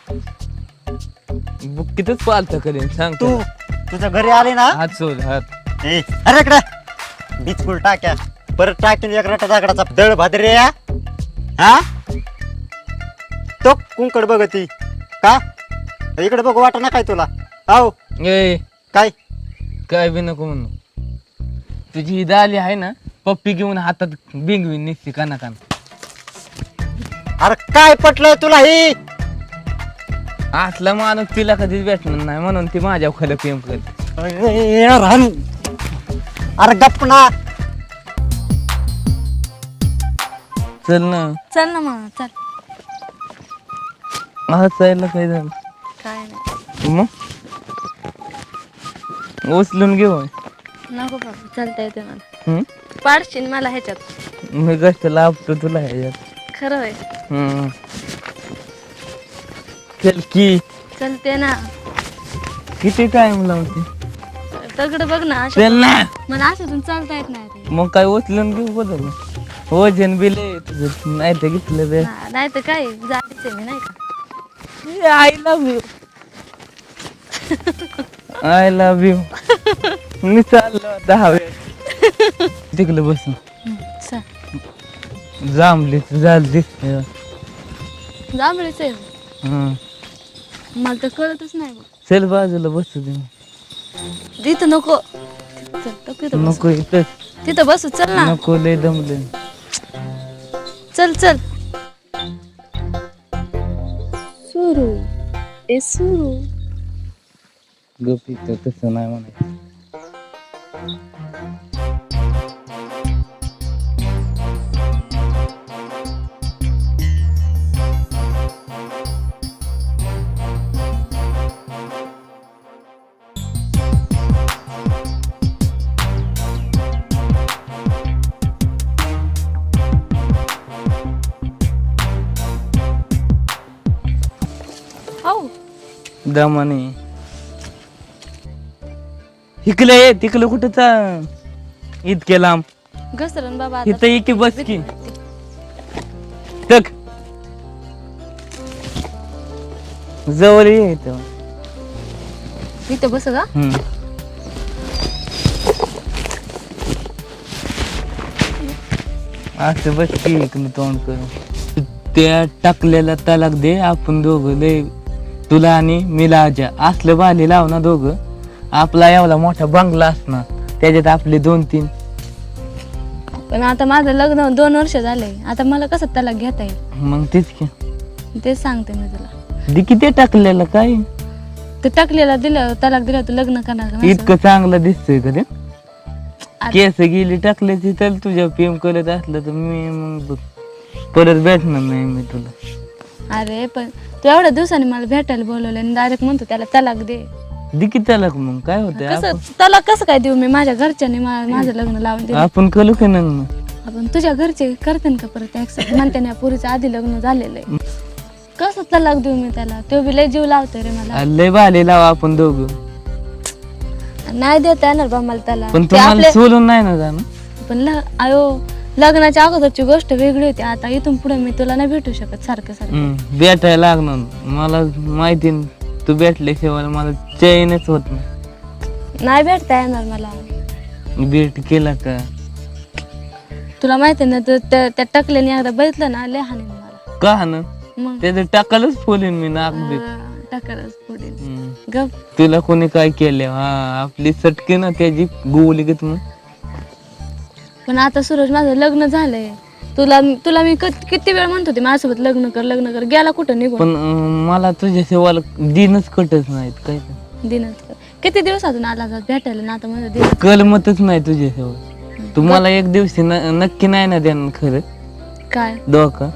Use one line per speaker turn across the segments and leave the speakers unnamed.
बुक्कीतच पालत करेन सांग
तू तुझ्या घरी आले ना
हात सोड हात.
अरे इकडे बिचकुल टाक्या परत टाकून एक रटा दागडाचा दळ भादरे या हा तो कुंकड बघती का इकडे बघू वाट ना काय तुला आहो
ए
काय
काय बी नको म्हणू. तुझी ही दाली आहे ना पप्पी घेऊन हातात बिंगवी निघते काना काना.
अरे काय पटलं तुला ही
असला माणूस तिला कधीच भेटणार नाही म्हणून ती माझ्या खाली प्रेम करते.
अरे गप्प ना
चल ना
चल ना मग चल.
हसायला काय झालं
काय नाही
मग उचलून घेऊ
नको बाबा चालता येते मला. पाडशील मला ह्याच्यात
मी कष्ट लाभतो तुला ह्याच्यात.
खरं होय.
चल की
चलते ना.
किती टाइम लावते
दगड बघ ना
चल ना.
मला अशातून चालता येत नाही रे.
मग काय उचलून घेऊ बदल वजन बिल तुझं नाही तर घेतलं बे.
नाही तर काय जायचंय मी नाही का.
I love you I love you. मी चाललो 10 वेळ तिकडं बसून
चल
जांभली झाली दिसते.
जांभळीच आहे मला तर कळतच नाही बघ.
चल बाजूला बसू दे.
तिथं नको चल तिथं बसू.
नको इथं
तिथं बसू चल ना.
नको लय दमले.
चल चल सुरू ए सुरू.
गप इथं तसं नाही म्हणायचं.
हो
दमाने इकडे ये तिकडे कुठं इतके लांब
घसरण बाबा आता.
इथं इथे बस की तक जवळ ये इथं.
इथं बस का.
असं बस की इकडे तोंड करून. त्या टाकलेला तलाक दे आपण दोघं लय तुला आणि मिला आजा असलं बाली लाव ना दोघं. आपला एवढा मोठा बंगला असणार त्याच्यात आपले 2-3.
पण आता माझं लग्न 2 वर्ष झालंय आता मला कसं त्याला घेता येईल.
मग तेच की
तेच सांगते मी तुला.
दे किती टाकलेलं काय
ते टाकलेला दिलं तलाक दिलं तर लग्न करणार का माझं?
इतकं चांगलं दिसतंय का ते. केस गेली टाकल्याची तर तुझ्या प्रेम करत असलं तर मी मग परत भेटणार नाही मी तुला.
अरे पण तू एवढ्या दिवसांनी मला भेटायला बोलवलं आणि डायरेक्ट म्हणतो त्याला तलाक दे.
दे की तलाक मग काय होतंय.
कसं तलाक कसं काय देऊ मी. माझ्या घरच्यांनी माझं लग्न लावून दिलं.
आपण करू की ना
आपण तुझ्या घरचे करते का परत ऍक्सेप्ट म्हणते ना पुरीचं आधी लग्न झालेलं आहे. कसं तलाक देऊ मी त्याला. तो बी लय जीव लावतोय रे मला.
लय बाले लावा आपण दोघं.
नाही देता येणार बा मला त्याला.
पण
ते
तुम्हाला
आपले-
सोडून नाही ना जाणं.
पण आयो लग्नाच्या अगोदरची गोष्ट वेगळी होती. आता इथून पुढे मी तुला नाही भेटू शकत सारखं सारखं.
भेटायला लागणार मला माहिती ना, तू भेटल्याशिवाय मला चैनच होत नाही.
नाही भेटता येणार मला.
भेट केला का
तुला माहिती ना त्या टकल्याने एकदा बघितलं ना लय हानी मला.
का ना
मग
त्याचं टाकालच फोलीन मी नाक बीक.
टाकलंच पुढे गप.
तुला कोणी काय केलं आपली सटके ना त्याची गोवली घेत मग.
पण आता सूरज माझं लग्न झालंय. तुला मी किती वेळ म्हणत होते माझ्यासोबत लग्न कर गेला कुठं निघून.
पण मला तुझ्या सेवाला दिनच कटच नाहीत काय
दिनात किती दिवसातून आला भेटायला ना आता माझं दिन
कलमतच नाही तुझ्या सेवा. तुम्हाला एक दिवशी नक्की नाही ना देणार खरं
काय
धोका.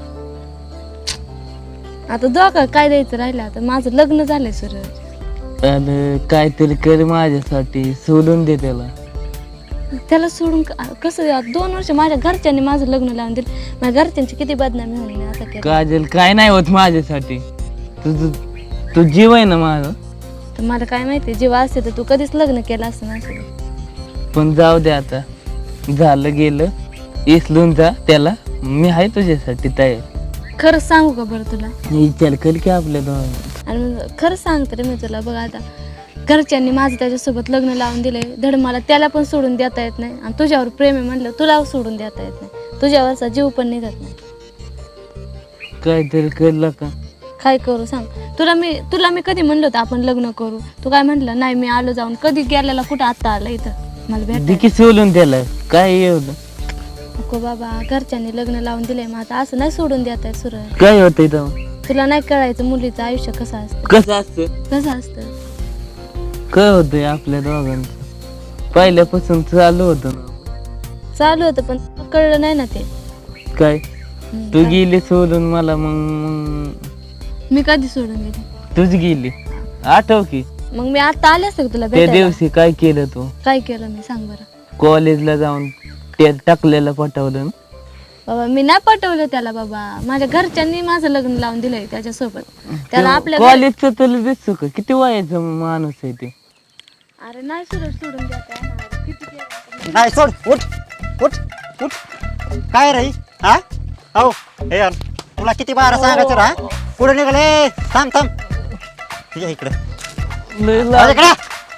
आता धोका काय द्यायचं राहिलं. आता माझं लग्न झालंय सूरज.
अरे काहीतरी कर माझ्यासाठी सोडून दे
त्याला सोडून कसं 2 वर्ष माझ्या घरच्यांनी माझं लग्न लावून दिलं. माझ्या घरच्यांची किती बदनामी होईल मी आता केलं.
काजल काय नाही होत माझ्यासाठी. तू जीव आहे ना माझा.
तर मला काय माहिती जीव असते तर तू कधीच लग्न केलं असतं ना.
पण जाऊ दे आता झालं गेलं इसलून जा त्याला. मी आहे तुझ्यासाठी तयार.
खरंच सांगू का बरं तुला
विचार कर की आपल्या दोघांचं.
आणि मग खरंच सांगते रे मी तुला. बघ आता घरच्यांनी माझं त्याच्यासोबत लग्न लावून दिले, धड मला त्याला पण सोडून देता येत नाही, आणि तुझ्यावर प्रेम आहे म्हणलं तुला सोडून देता येत नाही, तुझ्यावरचा जीव पण निघत नाही.
काहीतरी कळलं का?
काय करू सांग? तुला मी कधी म्हणलं होतं आपण लग्न करू? तू काय म्हटलं? नाही मी आलो जाऊन. कधी गेलेला कुठं आता आला इथं मला भेटायला?
दिकी सोलून त्याला काय एवढं
नको बाबा, घरच्यांनी लग्न लावून दिलंय, मग आता असं नाही सोडून देत आहे सूरज.
काय होतंय तेव्हा?
तुला नाही कळायचं मुलीचं आयुष्य कसं असतं.
कसं असतं?
कसं असतं
काय होतंय आपल्या दोघांचं? पहिल्यापासून चालू होतं ना.
चालू होतं पण कळलं नाही ना ते.
काय तू
काय?
गेली सोडून मला, मग
मी कधी सोडून गेली?
तूच गेली. आठव की
मग मी आता आले असते का तुला
त्या
भेटायला?
दिवशी काय केलं तू?
काय केलं मी सांग बरं.
कॉलेजला जाऊन ते टाकलेलं पटवलं ना?
बाबा मी नाही पटवलं त्याला बाबा. माझ्या घरच्यांनी माझं लग्न लावून दिलंय त्याच्यासोबत. त्याला आपल्या घरी-
कॉलेजचं तुला दिसतो का? किती वयाचं माणूस आहे ते?
अरे नाही सूरज सोडून देत आहे ना. किती केलं?
नाही सोड, उठ उठ उठ. काय रे हा? हो हे यार, तुला किती बारा सांगायचं रा? पुढे निघाले. थांब थांब, ठीक आहे इकडे
लय लाग-
इकडे.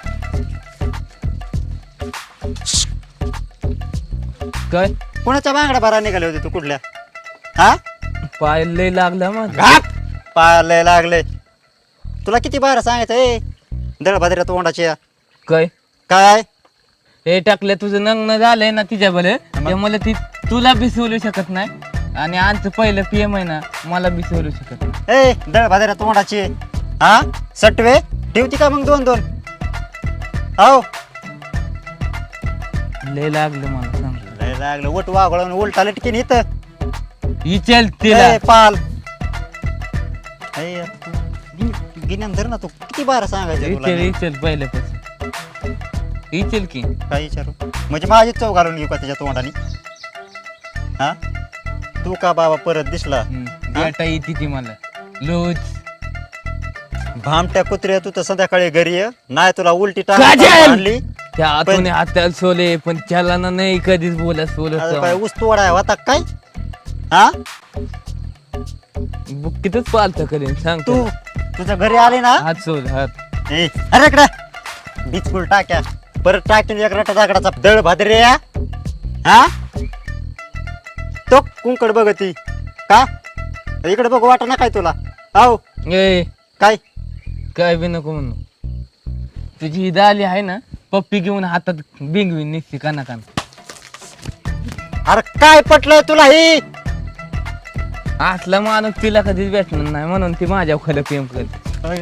काय
कोणाच्या बांगड्या बारा निघाले होते तू कुठल्या? हा
पाय लय लागला माझा.
घाट पायाला लागले. तुला किती बारा सांगायचं ए दळभाद्र्या तोंडाची
काय
काय?
हे टाकलं तुझं लग्न झालंय ना तिच्याबरोबर, त्यामुळे ती तुला बी सोलू शकत नाही, आणि आमचं पहिलं PM आहे ना, मला बी सोलू शकत नाही.
ए दळभाद्र्या तोंडाची हा सटवे ठेवती का मग दोन दोन? हो
लय लागलं मला सांग.
लय लागलं. उठ वागळून उलटा लटकीन इथं.
विचार तिला.
ए, पाल गिन्यान धर ना. तू किती बारा सांगायचं तुला
विचार
मी?
विचार पहिल्यापासून विचार की.
काय विचारू म्हणजे माझी चव घालून घेऊ का त्याच्या तोंडाने? हा तू का बाबा परत दिसला?
बेटा येते ती मला रोज.
भामट्या कुत्र्या तू तर संध्याकाळी घरी ये. नाही तुला उलटी
काजल!
आणली.
त्या आतून हाताला सोले, पण त्याला ना नाही कधीच बोला
आता काय
सोलत.
ऊस तोडाय होता काय? हा
बुक्कीतच पालतं करेन सांग
तू तुझ्या घरी आले ना?
हात सोल हात.
ए, अरे इकडे बिचकुल टाक्या परत टाकून एक रटा दागडाचा दळ भादरे हा तो कुंकड बघती का? इकडे बघ वाट ना काय तुला? हो
ए
काय
काय बी नको म्हणू. तुझी ही दाली आहे ना, पप्पी घेऊन हातात बिंगवीन निघते काना काना.
अरे काय पटलं तुला ही?
असला माणूस तिला कधीच भेटणार नाही, म्हणून ती माझ्या खाली प्रेम करते.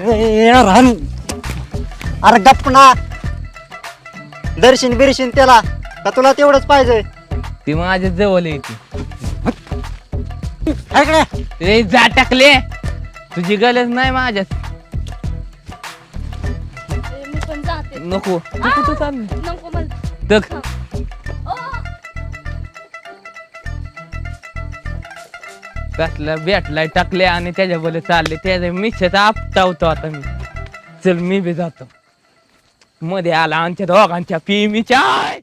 अरे गप्प ना. दर्शन बिरशीन त्याला का तुला तेवढंच पाहिजे?
ती माझ्या जवळ येते.
इकडे
रे जा टाकले, तुझी गरज नाही माझ्यात.
मी पण जाते.
नको तू कुठं चालली?
नको मला.
तक कसला भेटलाय टाकले आणि त्याच्याबरोबर चालले, त्याच्या मिशाचा आपटावतो आता मी. चल मी बी जातो. मध्ये आला आमच्या दोघांच्या पिमीच्या.